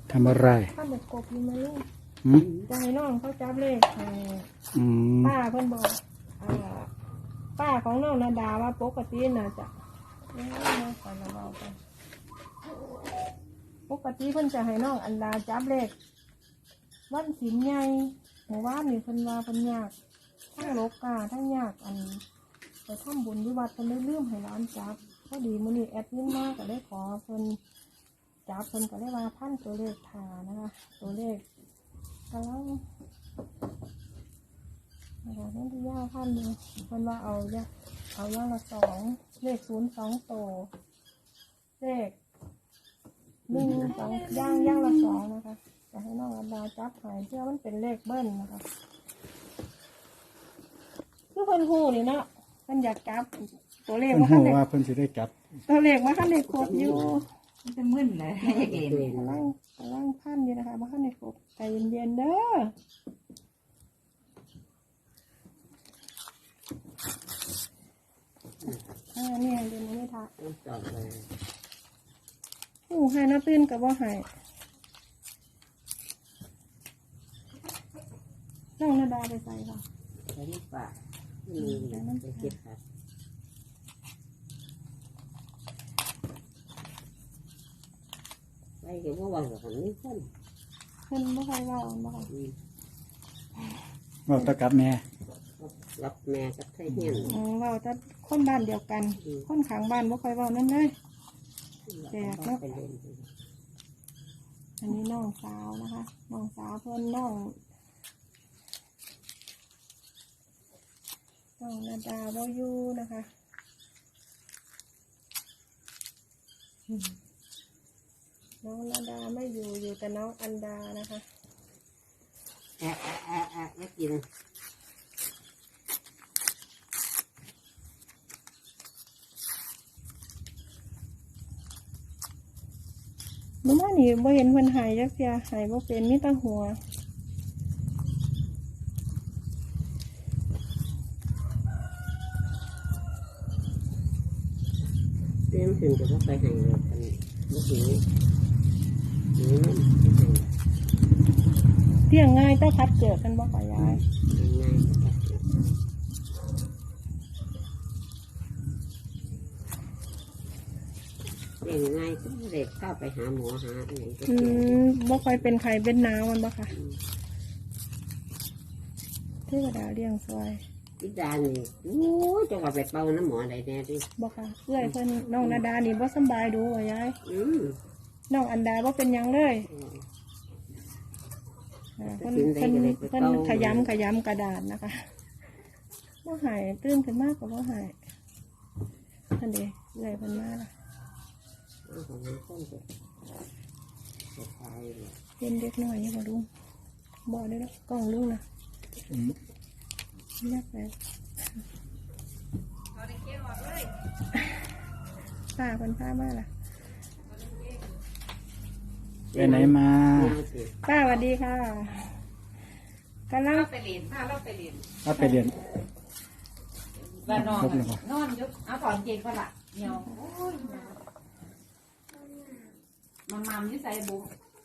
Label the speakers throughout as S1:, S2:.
S1: ทำอะไร
S2: ถ้าเด็กกบอยู่ไหมลูก
S1: อืม
S2: จะให้น้องเขาจับเลขให้
S1: อืม
S2: ป้าเพิ่นบอกป้าของน้องนาดาว่าปกติน่ะจะไปละเบาไปปกติเพิ่นจะให้น้องอันดาจับเลขวันศีลใหญ่หมู่บ้านนี่เพิ่นว่าเพิ่นยากทั้งโลกาทั้งยากอันไปทำบุญที่วัดเพิ่นได้ลืมให้ร้านจับพอดีมื้อนี้แอดมินมาก็ได้ขอเพิ่นจับเพิ่นก็ได้ว่าพันตัวเลขทานะคะตัวเลขกำลังนะคะนั่นที่ย่าพันเลยเพิ่นว่าเอาย่างละ2เลข02ตัวเลข1 2ย่างละ2นะคะจะให้น้องอันดาจับหายเพื่อมันเป็นเลขเบิ้ลนะคะคือเพิ่นฮู้นี่เนาะเพิ่นอยากจับตัวเลข
S1: เพิ่น
S2: ว่า
S1: ฮู้
S2: คันเด็ก
S1: ว่าเพิ่นสิได้จับ
S2: ตัวเลขว่าคันเด็กครบอยู่
S3: มันจะมึนเลยเอ็น
S2: กำลังพันอยู่นะคะว่าคันเด็กครบใจเย็นๆเด้อเนี่ยเดี๋ยวนี้ไม่ทักหูให้น้าตื้นกับว่าให้น้องนาดาไปใส่ค่ะ
S3: ใช้ลูกปากจะเก็บครับไปเก็บว่าวันกับคนนี้คน
S2: เพิ่นบ่ค่อยเว้าบ่ค่ะ
S1: เว้าแตะกับแม่
S3: รับแม่กับไทยเฮียน
S2: เว้าแต่คนบ้านเดียวกัน คนข้างบ้านบ่ค่อยเว้านั่นเลยแจกเนาะ
S3: ไปเล่น
S2: อันนี้น้องสาวนะคะน้องสาวเพิ่นน้องนาดาบ่อยู่นะคะน้องนาดาไม่อยู่อยู่แต่น้องอันดานะคะ
S3: ไม่กิน
S2: เมื่อวานนี้บ่เห็นเพิ่นหายจักเที่ยหายบ่เป็นมีแต่หัว
S3: เต็มถึงจะว่าไปให้เลยกันเมื่อกี้นี่
S2: เที่ยงง่ายแต่คัดเกิดกันบ่ค่ะยาย
S3: ง่ายเด็กง่ายก็เด็กเข้าไปหาหมอหาอะไรก็เจอ
S2: บ่ค่อยเป็นไข้เป็นหนาวมันบ่ค่ะเทวดาเลี้ยงซอย
S3: พิดานี่โอ้ยจะว่าไปเป่าน้ำหมออะไรแน่ดิ
S2: บ่ค่ะเอื้อยเพิ่นน้องนาดานี่บ่สำบายดูว่ายาย น้องอันดาบ่เป็นหยังเลยเพิ่นขยำกระดาษนะคะบ่หายตื่นขึ้นมากก็บ่หายท่านเด้เอื้อยเพิ่นมาล่ะ
S3: ของมันต้นจะตายเลย
S2: เป็นเด็กน้อยนี่บ่ลุงบ่ได้แล้วกล้องลุงนะ
S1: อืม
S2: นักไปป้าเพิ่นพามาล่ะ
S1: ไปไหนมา
S2: ป้าสวัสดีค่ะกำลัง
S3: ไปเรียนถ้าเราไปเรียน
S1: ถ้าไปเรียน
S3: บ้านนอน
S1: ครบเลยป่ะ
S3: นอนยุบเอาถอนเกงก็ละเหี่ยวโอ้ยมัมยิ่ใส่บุ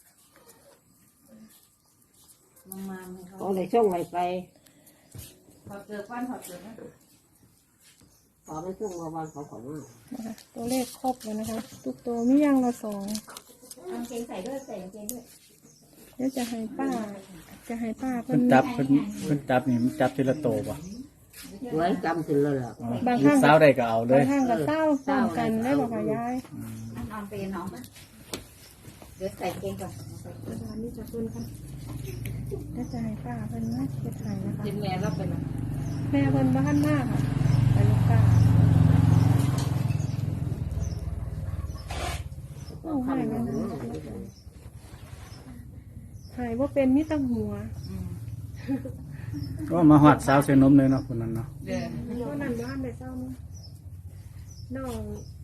S3: มัมเขาเลยช่วงไวไปพอเจอวันพอเจอนะพอมันช่วงวันเขาขอมา
S2: นะคะตัวเลขครบแล้วนะคะทุกตัวมีอย่างละ2
S3: เอาเกงใส่ด้วยใส่เกงด้วย
S2: เดี๋ยวจะให้ป้าเพิ่
S1: เพิ่
S2: น
S1: นจับเพิ่นจับนี่มันจับทีละโตป่ะ
S3: ไว้จำถึงเลยเหรอ
S1: อ๋อลูกสาวได้ก็เอาเล
S2: บาย งครั้งก็เศร้าพร้อมกันได้บอกค่ะยาย
S3: นอนไปน้องมั้ยเดี๋ยวใส่เกงก่อน
S2: ตอนนี้จะเพิ่นค่ะเดี๋ยวจะให้ป้าเพิ่นนะเฮ็ดให้นะคะ
S3: กินแม่เราเป็น
S2: แม่เพิ่นบ้านมากค่ะไปลูกป้าโอ้หายมันหายว่าเป็นมิตรหัว
S1: ก็มาหอดสาวเส้นนมเลยเนาะคนนั้นเนาะ
S3: เดี๋ยว
S2: เพราะนั้นบ้านไปเศร้าเนาะน้อง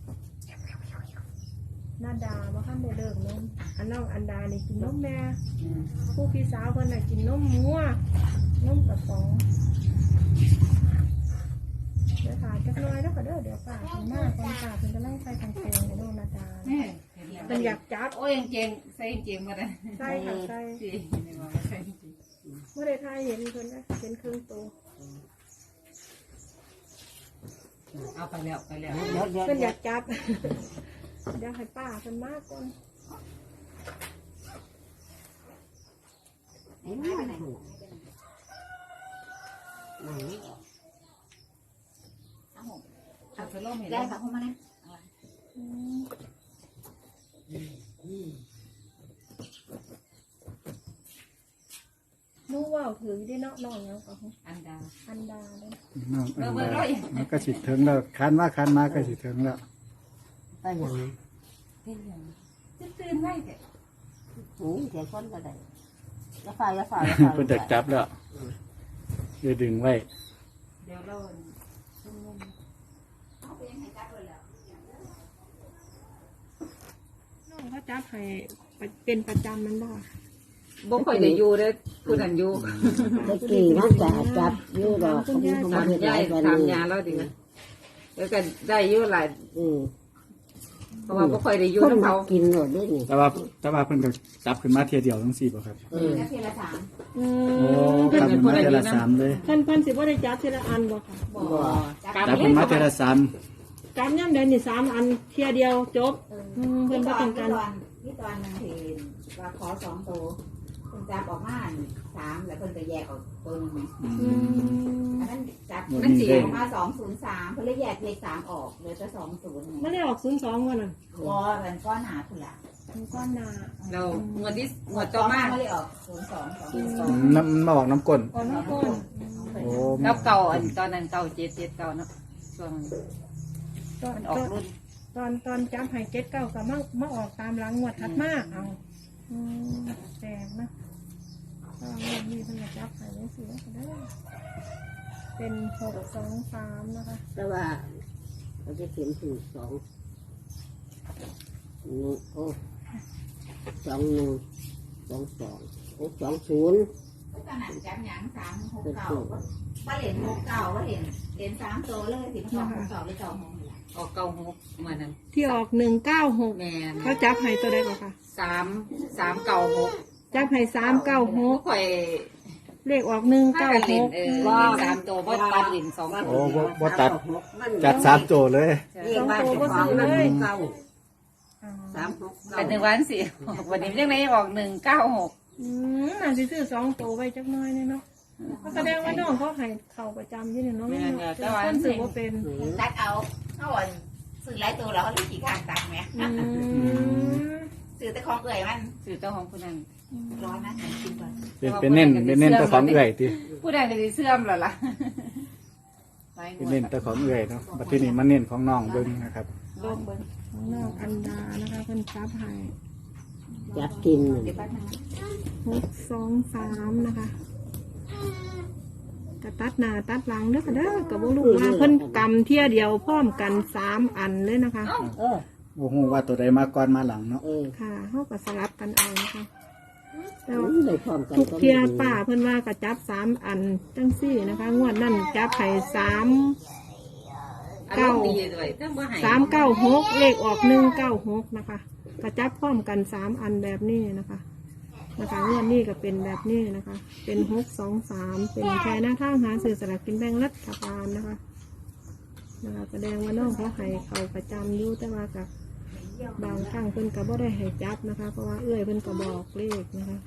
S2: นาดาว่าข้ามไปเลิกนมอันน้องอันดานี่กินนมแม่ผู้พี่สาวเพิ่นน่ะกินนมงัวนมกระป๋องเดี๋ยวถ่ายจักหน่อยแล้วก็เดี๋ยวป้าถึงหน้าคนป้าถึงจะไล่ใส่ทางโค้งในน้องนาดา
S3: แม่เห็น
S2: มันอยากจับ
S4: โอ้ยยังเจงใส่ยังเจงมาได้
S2: ใช่ค่ะใช่
S4: สิไม่ว่าใส่จริง
S2: เมื่อใดทายเห็นเพิ่นนะเป็นครึ่งตัว
S4: เอาไปแล้วไปแล้ว
S3: เดี๋ยว
S2: เพิ่นอยากจับ เดี๋ยวให้ป้าเพิ่นมากก่อน
S3: ไอ้มาไหนไหน
S4: เอาไปล่มเห็น
S5: ได้
S4: แล้ว
S5: ค่ะเข้ามาเลย
S2: นู้ว่าถือได้เนาะน้องแล้วก็
S4: อันดา
S2: อันดาเลย
S1: น้องอันดามันก็สิถึงแล้วคันว่าคันมาก็สิถึงแล้ว
S3: ก็อย่างนี้
S4: เป็นอย่างจะตื่นไว้แต่
S3: หูเสียคนก็ได้อย่าฝ่า
S1: เพิ่นจะจับแล้วจะดึงไว้
S4: เดี๋ยวเรา
S2: น้องเขาจับให้เป็นประจำมันบ่
S4: บ่ค่อยได้อยู่เด้อผู้นั้นอยู่
S3: ตะกี้มันจะจับอยู่ดอกเขา
S4: ถามยายถามยาแล้วดิแล้วก็ได้อยู่หลาย เพราะว่าบ่ค่อยได้อยู่
S3: คน
S4: กับ
S3: มา
S4: เขา
S3: กินหมดด้วยนี่
S1: แต่ว่าเพิ่นก็จับขึ้นมาเทียเดียวทั้ง4บ่ครับ
S5: แล้วทีละสาม
S2: อื
S1: โอ้
S2: ม
S1: จับขึ้นมาเทียละ3เลย
S2: เพิ่นสิบ่ได้จับทีละอันบ่ค่ะ
S5: บ่
S1: จับขึ้นมาเทียละ3
S2: จับย่ำใดนี่3อันเทียเดียวจบเพิ่นบ่ต้องการ
S5: นี่ตอนนึงเห็นว่าขอ2ตัวคุณจับออกมา3แล้วเพิ่นไปแยกออกตัวนึง
S2: อืม
S5: อันนั้นจับมันสีออกมา203เพิ่นเลยแยกเลข3ออกเหลือแต่20
S2: มันได้ออก02ว่าน่ะ
S5: วอมันก้อนหนาคุณล่ะ
S2: มันก้อนหนา
S4: เรางวดที่งวดต่อมา
S5: ไม่ได้ออก02
S1: น้ำมันมาออกน้ำก้น
S2: ก้อนน้ำก้น
S1: โอ้
S4: แล้วเก่าอันตอนนั้นเก่า7เก่าเนาะช่วงมันออกรุ่น
S2: ตอนจับให้7 9ก็มาออกตามหลังงวดถัดมาเอาแปลกนะก็มีเพิ่นจะจับให้จังซี่ก็ได้เป็น623นะคะ
S3: แต่ว่าเขาจะเขียนถึง2 โอ้21 22 20
S5: ตอนนั้นจับหยัง369ว่าเหรียญ69ว่าเหรียญ3ตัวเลยสิมันออก69เลย2 6
S4: ออกเก่าหกมานั้น
S2: ที่ออก196
S4: แม่น
S2: เขาจับให้ตัวใดก่อนค่ะ
S4: 3เก่าหก
S2: จับให้
S4: บ่ค่อย
S2: 396เลขออก
S4: ถ้ากันเล่น
S2: 196
S4: 3ตัวบ่ตัดเล่น2
S1: โอ้
S4: ตัว
S1: บ่ตัดจัด3โจเลย
S3: เรียกว่าจะของมันเก่า36
S4: เป็น1วันสิวันนี้ยังไงออก196
S2: น่าสิซื้อ2ตัวไว้จักหน้อยเนี่ยเนาะแสดงว่าน้องเขาให้เข้าประจำอยู่เนี่ยเนาะแต่คนซื้อบ่เป็น
S5: ตัดเอาเอาอ่อนซื้อหลายตัวแล้วเขาเลยขี่ข้างตัดไหมซื้อแต่ของเอื่อยมัน
S4: สื่อเจ้าของผู้นั้น
S5: ร้อนนะกินก่อน
S1: เป็นเน้นแต่ของเอื่อยติ
S4: ผู้ใดก็สิเสื่อมแล้วล่ะ
S1: เป็นเน้นแต่ของเอื่อยเนาะบัดทีนี้มันเน้นของน้องเบิ่งนะครับ
S4: ลงเบิ่ง
S2: ของน้องอันดานะคะเพิ่นจับให้
S3: จับกิน
S5: เดี๋ยวแป๊บนึง
S2: 623นะคะกระตัดหน้าตัดหลังเด้อค่ะเด้อก็บ่รู้ว่าเพิ่นกำเที่ยเดียวพร้อมกัน3อันเลยนะคะ
S1: โอ้โหว่าตัวใดมาก่อนมาหลังเนาะ
S2: ค่ะเฮาก็สลับกันเอานะคะแต่ว่า
S3: เลยพร้อมกัน
S2: ทุกเที่ยป้าเพิ่นว่าก็จับ3อันจังซี่นะคะงวดนั้นจับให้3
S4: อารมณ์ดีด้วยแต่บ่ให้
S2: 396เลขออก196นะคะก็จับพร้อมกัน3อันแบบนี้นะคะงวดนี้ก็เป็นแบบนี้นะคะ เป็น623เป็นแค่หน้าทางหาซื้อสลากกินแบ่งรัฐบาลนะคะแสดงว่าน้องเขาให้เขาประจำอยู่แต่ว่ากับบางครั้งเพิ่นก็บ่ได้ให้จับนะคะ เพราะว่าเอื้อยเพิ่นก็บอกเลขนะคะ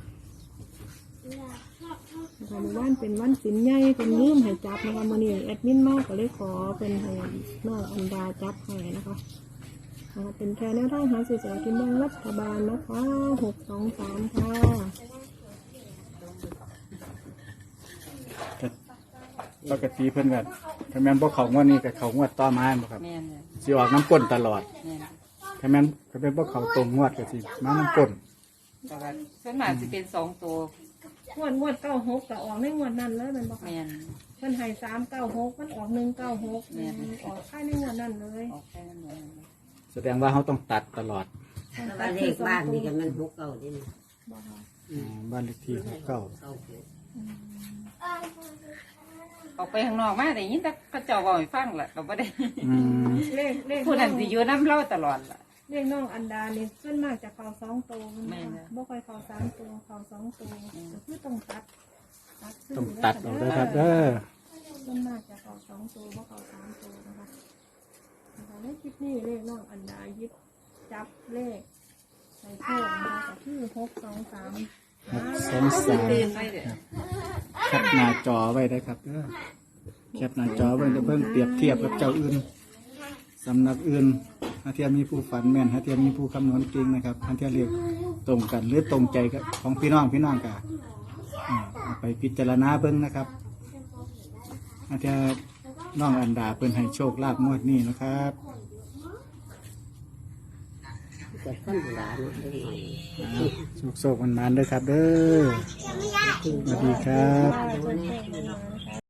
S2: เมื่อวานเป็นวันศีลใหญ่เป็นลืมให้จับนะคะมื้อนี้แอดมินมาก็เลยขอเป็นให้น้องอันดาจับให้นะคะเป็นแค่แนวทางหาซื้อสลากกินแบ่งรัฐบาลนะคะ623ค่ะ
S1: ปกติเพิ่นก็ถ้าแม่นบ่เข้างวดนี้ก็เข้างวดต่อมาบ่ครับ
S4: แม่นเลย
S1: สิออกน้ำก้นตลอด
S4: แม่น
S1: ถ้าแม่นบ่เข้าตรงงวดก็สิมาน้ำก้น
S4: แต่ว่าส่วนมากสิเป็น2ตัว
S2: งวด96ก็ออกในงวดนั้นเลยแมันบ่ค่ะ
S4: แม่น
S2: เพิ่นให้396มันออก196ออกค่ายในงวดนั้นเลย
S4: ออกแค่นั้นเลย
S1: แสดงว่าเขาต้องตัดตลอด
S3: แต่ว่าเลขบ้านนี่กันมัน6เก่าดิ
S2: บ่ค่ะ
S1: บ้านเลขที่ของเก่า
S4: ออกไปข้างนอกมาได้ยินแต่เขาเจ้าเว้าให้ฟังล่ะก็บ่ได้
S1: อืม
S2: เลข
S4: ผู้นั้นสิอยู่นำเราตลอดล่ะ
S2: เรียกน้องอันดานี่ส่วนมากจะเข้า2 ตัวบ่ค่อยเข้า3 ตัวเข้า2 ตัวก็คือต้องตัดซื้
S1: ต้องตัดออกด้วยครับ
S2: ส่วนมากจะเข้า2 ตัวบ่เข้า3 ตัวนะคะในคลิปนี้เลขน้องอันดายิบจับเลขใส่โชคนะคะก็คือ623
S4: เรียนไปเด้อ
S1: แคปหน้าจอไว้ได้ครับแคปหน้าจอไว้จะเบิ่งเปรียบเทียบกับเจ้าอื่นสำนักอื่นถ้าเทียมีผู้ฝันแม่นถ้าเทียมีผู้คำนวณจริงนะครับถ้าเทียเรียกตรงกันหรือตรงใจกับของพี่น้องกันเอาไปพิจารณาเบิ่งนะครับถ้าเทียน้องอันดาเพิ่นให้โชคลาภงวดนี้นะครับ
S3: จะขั้นหลานได้หน่อย
S1: โชคๆมันๆเด้อครับเด้อสวัสดีครับ
S2: ค่ะ